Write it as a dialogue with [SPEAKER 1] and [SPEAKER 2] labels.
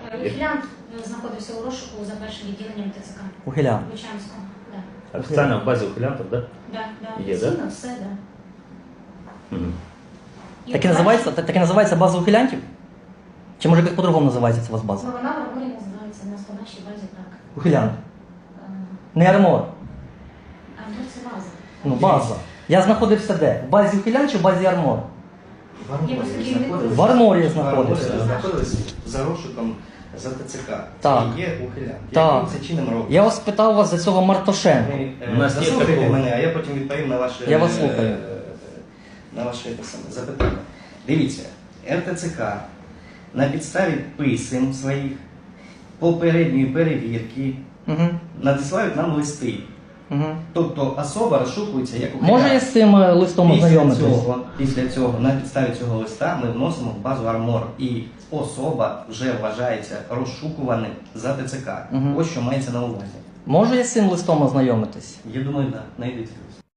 [SPEAKER 1] Ухилянт знаходився у розшуку за першим відділенням ТЦК.
[SPEAKER 2] Ухилянт.
[SPEAKER 1] Лучанського, да.
[SPEAKER 3] Офіційно в базі ухилянтів, так?
[SPEAKER 1] Да.
[SPEAKER 3] Є, да?
[SPEAKER 1] Офіційно все, да.
[SPEAKER 3] Угу.
[SPEAKER 2] Так і називається база ухилянтів? Чи може якось по-другому називається це у вас база?
[SPEAKER 1] Ну, вона в арморі називається, у нас по нашій базі так.
[SPEAKER 2] Ухилянт. Не армор.
[SPEAKER 1] А ну це база.
[SPEAKER 2] Ну, база. Я знаходився де? В базі ухилянт чи в базі армор? В арморі я знаходився.
[SPEAKER 4] Знаходилися за розшуком за ТЦК.
[SPEAKER 2] Так.
[SPEAKER 4] Це є ухилянт.
[SPEAKER 2] Так.
[SPEAKER 4] Яким це чином робить?
[SPEAKER 2] Я вас питав вас за цього Мартошенка.
[SPEAKER 3] У нас є
[SPEAKER 4] Заслухайте
[SPEAKER 3] такого.
[SPEAKER 4] мене, а я потім відповім на ваше,
[SPEAKER 2] Я вас слухаю.
[SPEAKER 4] на ваше запитання. Дивіться, РТЦК на підставі писем своїх попередньої перевірки
[SPEAKER 2] Угу. надсилають
[SPEAKER 4] нам листи.
[SPEAKER 2] Угу.
[SPEAKER 4] Тобто особа розшукується як ухилянт.
[SPEAKER 2] Може я з цим листом ознайомитись?
[SPEAKER 4] Після цього, на підставі цього листа ми вносимо в базу Армор. І особа вже вважається розшукуваним за ТЦК.
[SPEAKER 2] Мгм.
[SPEAKER 4] Ось що мається на увазі.
[SPEAKER 2] Може я з цим листом ознайомитись?
[SPEAKER 4] Я думаю, так, знайдеться.